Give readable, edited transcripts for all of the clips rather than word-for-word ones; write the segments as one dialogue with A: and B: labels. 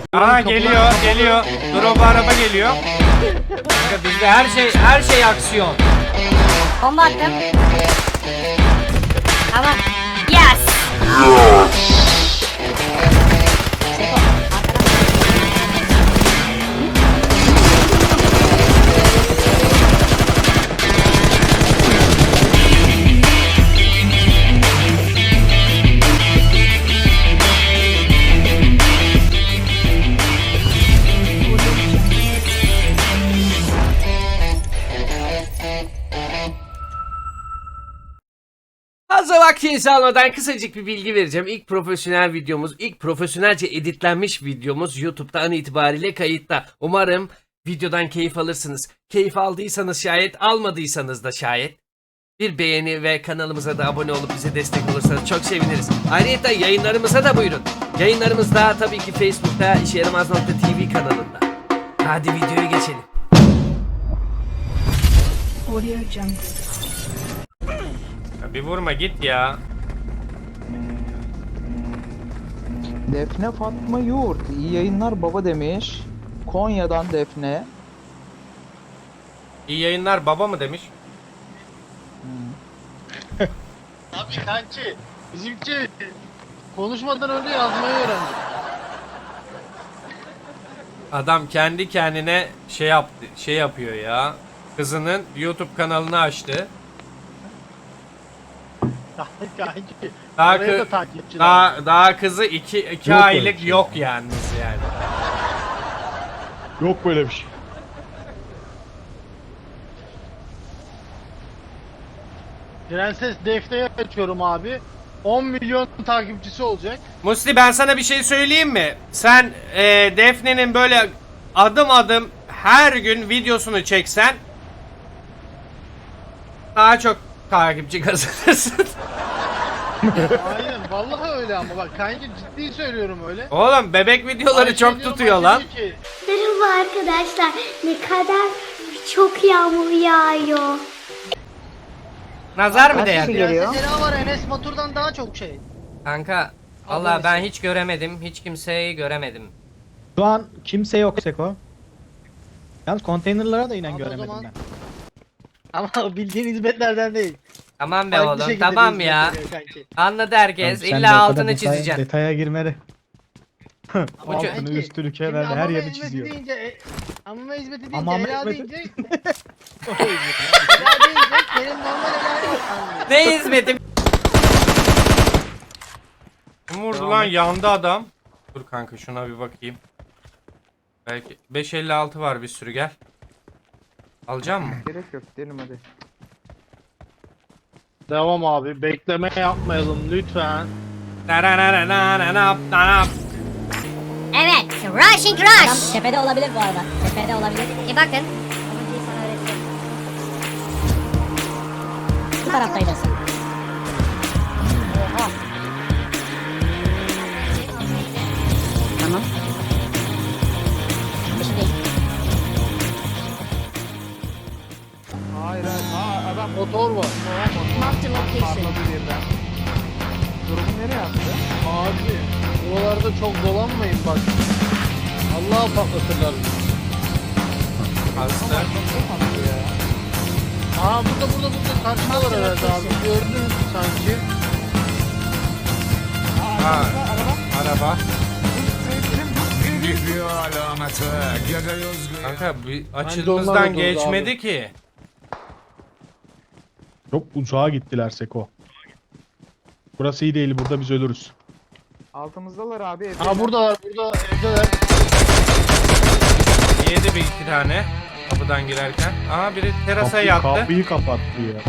A: Aa geliyor. Drop araba geliyor.
B: Kanka bizde her şey aksiyon.
C: Bomba attım. Tamam. Yes. Seko, arkadan.
B: Fazla vaktinizi almadan kısacık bir bilgi vereceğim. İlk profesyonel videomuz, ilk profesyonelce editlenmiş videomuz YouTube'da an itibariyle kayıtta. Umarım videodan keyif alırsınız. Keyif aldıysanız şayet, almadıysanız da şayet bir beğeni ve kanalımıza da abone olup bize destek olursanız çok seviniriz. Ayrıca yayınlarımıza da buyurun. Yayınlarımız da tabii ki Facebook'ta işeyaramaz.tv kanalında. Hadi videoya geçelim.
A: Ya bir vurma git ya.
D: Defne Fatma Yurt iyi yayınlar baba demiş. Konya'dan Defne.
A: İyi yayınlar baba mı demiş?
E: Abi kanki bizimki konuşmadan önce yazmayı öğrendi.
A: Adam kendi kendine şey yapıyor ya. Kızının YouTube kanalını açtı.
E: Kanki.
A: Daha,
E: Oraya da
A: kı-
E: takipçi
A: daha kızı 2
F: Yok öyle
A: aylık
F: bir şey.
A: yok yalnız yani.
F: Yok böyle bir şey.
E: Prenses Defne'yi açıyorum abi. 10 milyon takipçisi olacak.
A: Musli ben sana bir şey söyleyeyim mi? Sen Defne'nin böyle adım adım her gün videosunu çeksen daha çok takipçi kazanırsın.
E: Aynen vallahi öyle ama bak kanki ciddi söylüyorum öyle.
A: Oğlum bebek videoları
E: Ayşe
A: çok
E: diyorum,
A: tutuyor
E: Ayşe
A: lan.
E: diyor ki,
C: Merhaba arkadaşlar. Ne kadar çok yağmur yağıyor.
A: Nazar mı
D: Kaç
A: değer?
D: kişi geliyor?
E: Prenses Ela var Enes Batur'dan daha çok şey.
B: Kanka vallahi ben hiç göremedim. Hiç kimseyi göremedim.
G: Şu an kimse yok Seko. Yalnız konteynerlara da inen
E: Abi o
G: göremedim
E: zaman-
G: ben.
E: Ama bildiğin hizmetlerden değil.
B: Tamam be
E: Farklı
B: oğlum
E: şekilde
B: tamam
E: bir
B: ya.
E: hizmet veriyor kanki.
B: Anladı herkes.
G: Tamam, sen de o
B: İlla
G: kadar
B: altını çizeceksin.
G: Detaya girmeli.
E: Ama
G: Altını
E: kanki,
G: üstünü
E: şimdi
G: kenarını her
E: amama
G: yeri
E: hizmeti
G: çiziyor.
E: Deyince, amama hizmeti deyince,
G: Amama
E: Ela
G: hizmeti-
E: deyince, Ela deyince benim normal Ela'yı anlıyor.
B: Ne hizmetim?
A: Kim vurdu lan? Yandı adam. Dur kanka şuna bir bakayım. Belki 556 var bir sürü gel. Alacağım mı?
D: Gerek yok gidelim hadi.
E: Devam abi. Bekleme yapmayalım lütfen.
C: Evet. Rushing rush. Tepede olabilir bu arada. Tepede olabilir. Bakın. Bu taraftaydı. Tamam. Şimdi değil.
D: Hayır hayır. Adam
E: Motor var.
D: patladı birden. Durumu nereye attı?
E: Abi buralarda çok dolanmayın bak. Allah'a patlatırlar.
A: Hasta.
E: Aa burada karşıdalar herhalde abi. Gördün sanki.
A: Ha, araba. Kanka bir
E: onlarla
A: açımızdan
E: durdu
A: geçmedi
E: abi.
A: ki.
F: Çok uzağa gittiler Seko. Burası iyi değil, burada biz ölürüz.
D: Altımızdalar abi. evdeler.
E: Aa burada evdeler.
A: Yedi bir iki tane kapıdan girerken. Aa biri terasa yattı.
F: Kapıyı kapattı ya.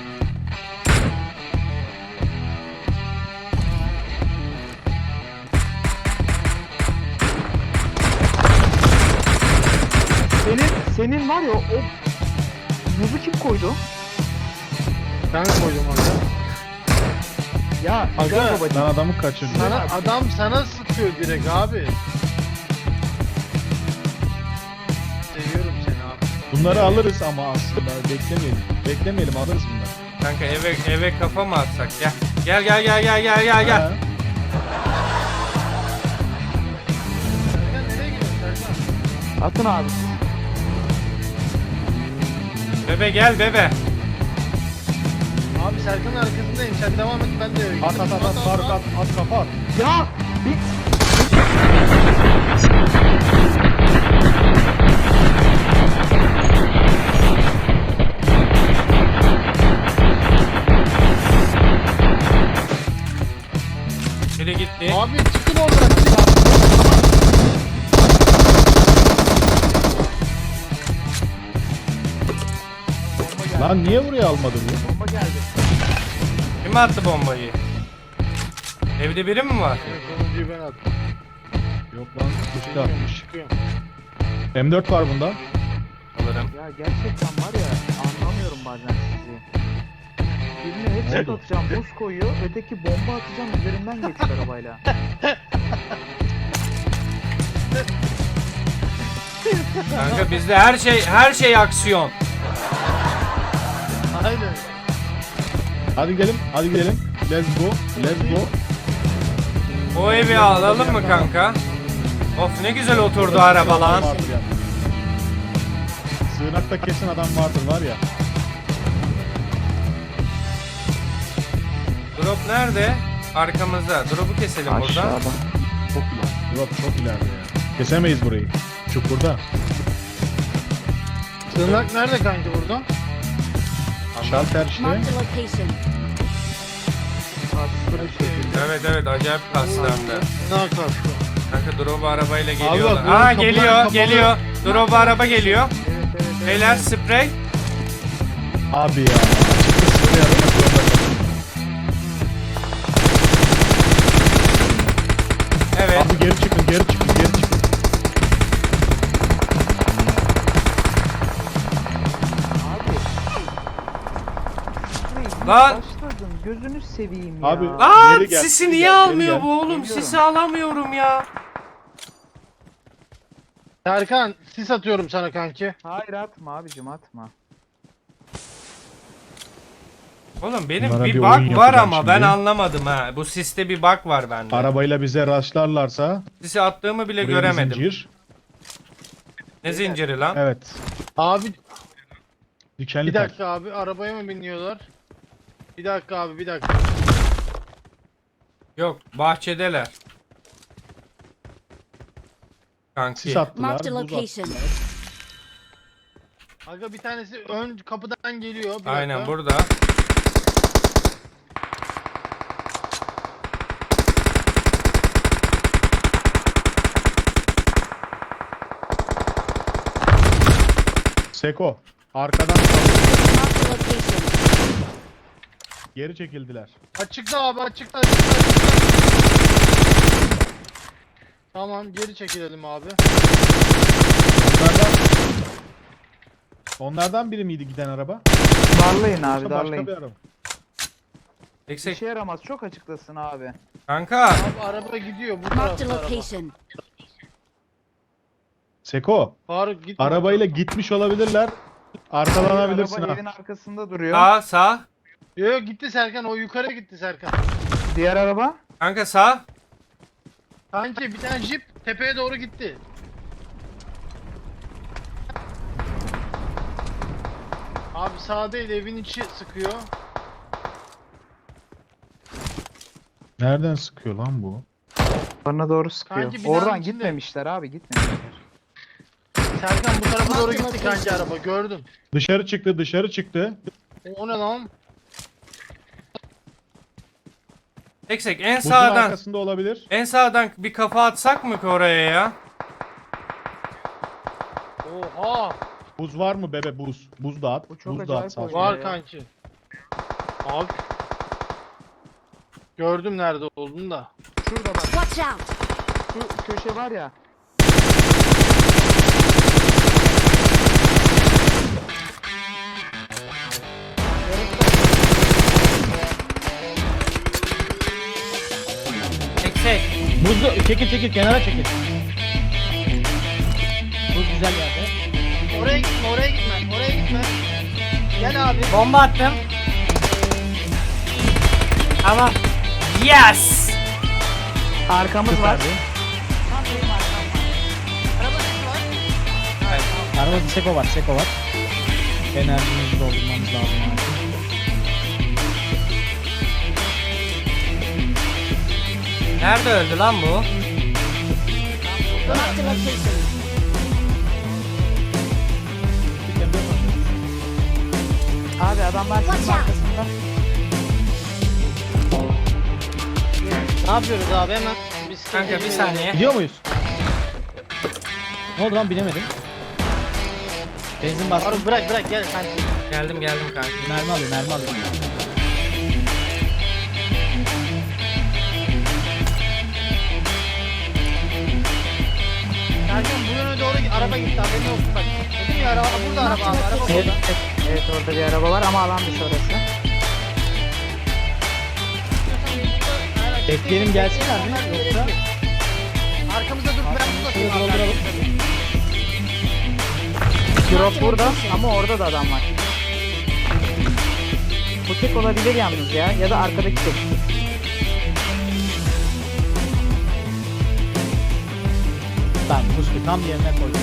D: Senin var ya o buzu kim koydu?
E: Ben koydum orada.
D: Ya
E: Aga,
D: güzel babacığım.
F: Ben adamı kaçırdım.
E: Adam sana sıkıyor direkt abi. Seviyorum seni abi.
F: Bunları alırız ama aslında beklemeyelim. Beklemeyelim, alırız bunları.
A: Kanka eve kafa mı atsak? Gel.
F: Ha.
D: Atın abi.
A: Bebe gel bebe.
E: Abi Serkan'ın arkasındayım. Sen devam et, ben de eve
F: At
E: gideyim.
F: at at at Faruk at kafa at.
D: Ya bir
A: Biri gitti.
E: Abi çıkın oradan. çıkın.
F: Lan niye buraya almadın ya?
D: bomba geldi.
A: Kim attı bombayı? Evde biri mi var?
E: Sonuncuyu ben attım.
F: Yok lan üstte atmış.
E: Çıkıyorum.
F: M4 var bunda.
A: Alırım.
D: Ya gerçekten var ya anlamıyorum bazen sizi. Birine headshot atacağım buz koyuyor, öteki bomba atacağım üzerinden geçiyor arabayla.
A: Kanka bizde her şey aksiyon.
E: Aynen.
F: Hadi gidelim. Let's go.
A: O evi alalım mı kanka? Of ne güzel oturdu araba lan.
F: Vardır yani. Sığınakta kesin adam vardır var ya.
A: Drop nerede? Arkamızda. Drop'u keselim buradan.
F: Çok ileride. Drop çok ileride ya. Kesemeyiz burayı. Çukurda.
E: Tırnak nerede kanki burada?
F: Şalter işte.
C: Marked a location.
A: Evet acayip kastı hem de.
E: Ne kastı?
A: Kanka drop arabayla geliyorlar.
E: drop
A: Aa
E: kapılar
A: geliyor
E: kapalı.
A: geliyor. Drop araba geliyor.
D: Evet.
A: Beyler sprey.
F: Abi ya. Çıktı sprey atmak zorunda kaldım.
A: Evet.
F: Abi geri çıkın.
A: Lan.
D: Başladım gözünü seveyim ya.
F: Abi
A: Lan
F: geri gel,
A: sisi
F: geri
A: niye
F: gel, geri
A: almıyor
F: gel.
A: bu oğlum? Sisi alamıyorum ya.
E: Serkan sis atıyorum sana kanki.
D: Hayır atma abicim atma.
A: Oğlum benim
F: Bunlara
A: bir
F: bir
A: bug
F: oyun
A: var
F: yapacağım
A: ama ben
F: şimdi.
A: anlamadım ha. Bu siste bir bug var bende.
F: Arabayla bize rastlarlarsa
A: Sisi attığımı bile
F: buraya bir
A: göremedim.
F: zincir.
A: Ne zinciri lan?
F: Evet.
E: Abi
F: Dikenli
E: bir
F: tel.
E: dakika abi, arabaya mı biniyorlar? Bir dakika abi, bir dakika.
A: Yok bahçedeler. Kanki.
F: Sis attılar.
C: Marked a
F: buz
C: location.
F: attılar.
E: Aga bir tanesi ön kapıdan geliyor. Bir
A: Aynen
E: dakika.
A: burada.
F: Seko. Arkadan
C: Marked a location.
F: geri çekildiler.
E: Açıkta abi, açıkta. Tamam, geri çekilelim abi.
F: Onlardan biri miydi giden araba?
D: Darlayın abi
F: Yoksa başka
D: darlayın.
F: bir araba.
D: Bir
A: Eksik.
D: şey yaramaz çok açıklasın abi.
A: Kanka.
E: Abi araba gidiyor bu
C: Marked a
E: tarafta araba.
C: location.
F: Seko.
E: Faruk gitme.
F: Arabayla gitmiş olabilirler. Arkalanabilirsin
D: Araba
F: ha.
D: evin arkasında duruyor.
A: Sağ.
E: Yok gitti Serkan, o yukarı gitti Serkan.
D: Diğer araba.
A: Kanka sağ.
E: Kanki bir tane jip tepeye doğru gitti. Abi sağ değil, evin içi sıkıyor.
F: Nereden sıkıyor lan bu?
D: Bana doğru sıkıyor.
E: Kanki binanın
D: Oradan
E: içinde.
D: gitmemişler abi gitmemişler.
E: Serkan bu tarafa doğru gitti kanki araba, gördüm.
F: Dışarı çıktı.
E: O ne lan?
A: Eksik en
F: Buzun
A: sağdan.
F: arkasında olabilir.
A: En sağdan bir kafa atsak mı ki oraya ya?
E: Oha!
F: Buz var mı bebe buz? Buz da at.
D: Bu çok
F: Buz da at
D: acayip
F: sağ
D: oyun.
F: sola.
E: Var
D: ya.
E: kanki. Abi. Gördüm nerede olduğunu da.
D: Şurada bak
C: Watch out.
D: şu köşe var ya.
A: Eksik.
G: Buzlu çekil kenara çekil. Buz güzel yerde.
E: Oraya gitme. Gel abi.
A: Bomba attım. Tamam. Yes.
D: Arkamız var.
E: Araba sesi var.
G: Arabada Seko var, Seko var. Enerjimizi doldurmamız lazım abi.
A: Nerede öldü lan bu?
C: Marked a location.
D: Abi adamlar
C: Watch
D: şunun
C: out.
D: arkasında.
E: Ne yapıyoruz abi hemen? Biz
A: Kanka bir saniye.
G: Gidiyor muyuz? Ne oldu lan bilemedim. Benzin bastım.
E: Faruk bırak gel kanki.
A: Geldim kanka.
G: Mermi alıyor.
E: Kanka bu yöne doğru araba gitti haberin olsun bak. Dedim ya araba burada araba abi. Araba
D: Evet,
E: burada.
D: evet orada bir araba var ama alan dışı orası.
G: Bekleyelim gelsinler mi? Yoksa
E: Arkamızda dur ben burada.
G: şöyle dolduralım.
D: Drop burada ama orada da adam var. Bu tek olabilir yalnız ya da arkadaki tek.
G: ben bu tam yerine koydum.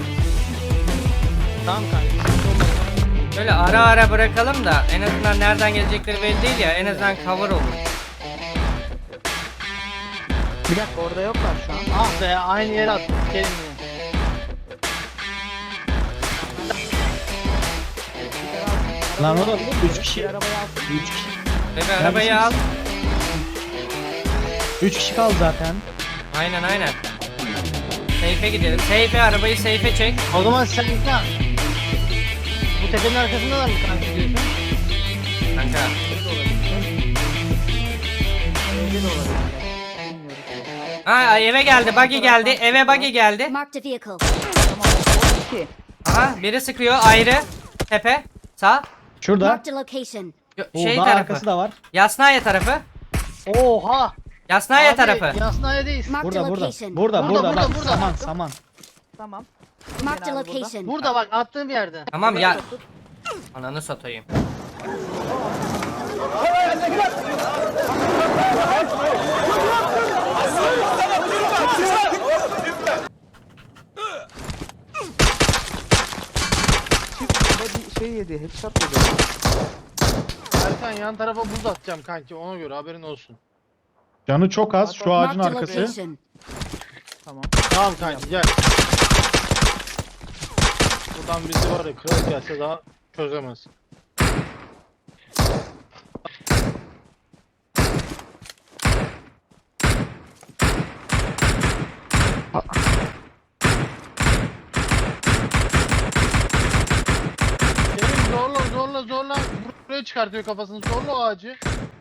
E: Tamam kanka.
A: Böyle ara bırakalım da en azından nereden gelecekleri belli değil ya, en azından cover olur.
D: Bir dakika orada yoklar şu an.
E: Ah be aynı yere attık. Gelin yine.
G: Lan o da 3 kişi.
D: Bir arabaya alsın.
G: 3 kişi.
A: Bebe arabayı al.
G: 3 kişi kaldı zaten.
A: Aynen. Seyfe gidelim. Arabayı seyfe çek.
E: O zaman sen git lan. Bu tepenin arkasındalar mı kanka diyorsun?
A: Kanka.
D: Evde de olabilir. Bilmiyorum.
A: Ha eve geldi, buggy geldi. Eve buggy geldi.
C: Marked a vehicle.
D: Tamam o 2.
A: Aha biri sıkıyor ayrı. Tepe. Sağ.
G: Şurada.
C: Marked a location.
A: Şey
G: Daha
A: tarafı.
G: arkası da var.
A: Yasnaya tarafı.
E: Oha.
A: Yasnaya
E: Abi,
A: tarafı.
E: Yasnaye'deyiz.
C: Marked a
G: Burada.
C: location.
G: Burada
E: Burada,
G: bak.
E: burada.
G: Saman.
D: Tamam.
C: Marked a
D: Genelde burada.
C: location.
E: Burada bak attığım yerde.
A: Tamam ya. Ananı satayım.
D: Body şey yedi, headshot yedi.
E: Erkan yan tarafa buz atacağım kanki ona göre haberin olsun.
F: Canı çok az. Şu ağacın
C: Marked a
F: arkası.
C: location.
D: Tamam.
E: Tamam kanki gel. Buradan bizi var ya kral gelse daha çözemez. Kerim zorla buraya çıkartıyor kafasını zorla o ağacı.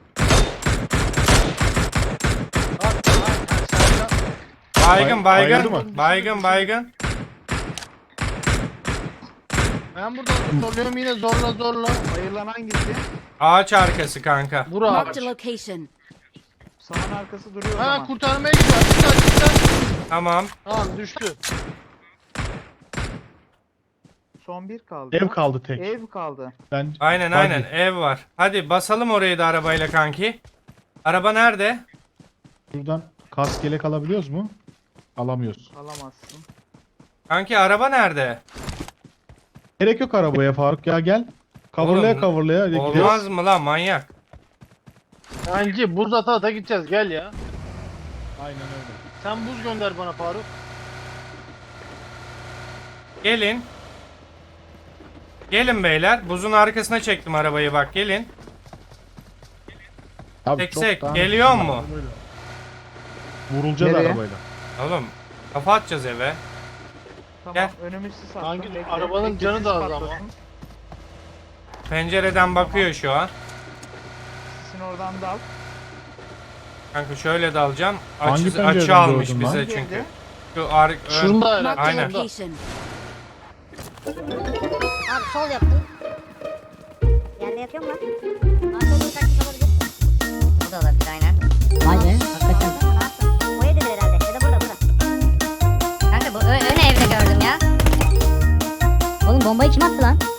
A: Baygın
F: Bayıldı mı?
A: Baygın.
E: Ben buradan zorluyorum yine zorla.
D: Bayırlan hangisi?
A: Ağaç arkası kanka.
E: Vur ağaç.
C: Marked a location.
D: Saman arkası duruyor o
E: Ha
D: zaman.
E: kurtarmaya gidiyor. Çıkar.
A: Tamam.
E: Tamam düştü.
D: Son bir kaldı.
F: Ev kaldı tek.
D: Ev kaldı.
F: Ben
A: Aynen ev var. Hadi basalım orayı da arabayla kanki. Araba nerede?
F: Buradan kask yelek alabiliyoruz mu? Alamıyoruz.
D: Alamazsın.
A: Kanki araba nerede?
F: Gerek yok arabaya Faruk ya gel. Coverlaya
A: Oğlum,
F: coverlaya
A: Olmaz
F: gidiyoruz.
A: mı lan manyak?
E: Kanki buz ata gideceğiz gel ya.
F: Aynen öyle.
E: Sen buz gönder bana Faruk.
A: Gelin. Gelin beyler. Buzun arkasına çektim arabayı bak gelin.
F: Abi
A: Seksek,
F: çok daha-
A: geliyor mu?
F: Vurulacağız
D: Nereye?
F: arabayla.
A: Oğlum kafa atacağız eve.
D: Tamam
A: Gel.
D: önümüz sis attım.
E: Hangi-
D: Bekle,
E: arabanın
D: bekle,
E: canı
D: sis
E: da az ama.
D: patlasın.
A: Pencereden bakıyor şu an.
D: Sisin oradan da al.
A: Kanka şöyle dalacağım.
F: Hangi
A: Açı
F: pencereden
A: almış
F: gördün
A: bize
F: lan?
A: çünkü. Şu ön.
E: Şurada herhalde.
C: Marked a
A: Aynen.
C: location. Abi sol yaptım. Yerde yatıyor mu lan? Arka bir taktik olabilir. Bu da olabilir aynen. Vay be hakikaten. O evdedir herhalde ya da burada. Kanka bu ön evde gördüm ya. Oğlum bombayı kim attı lan?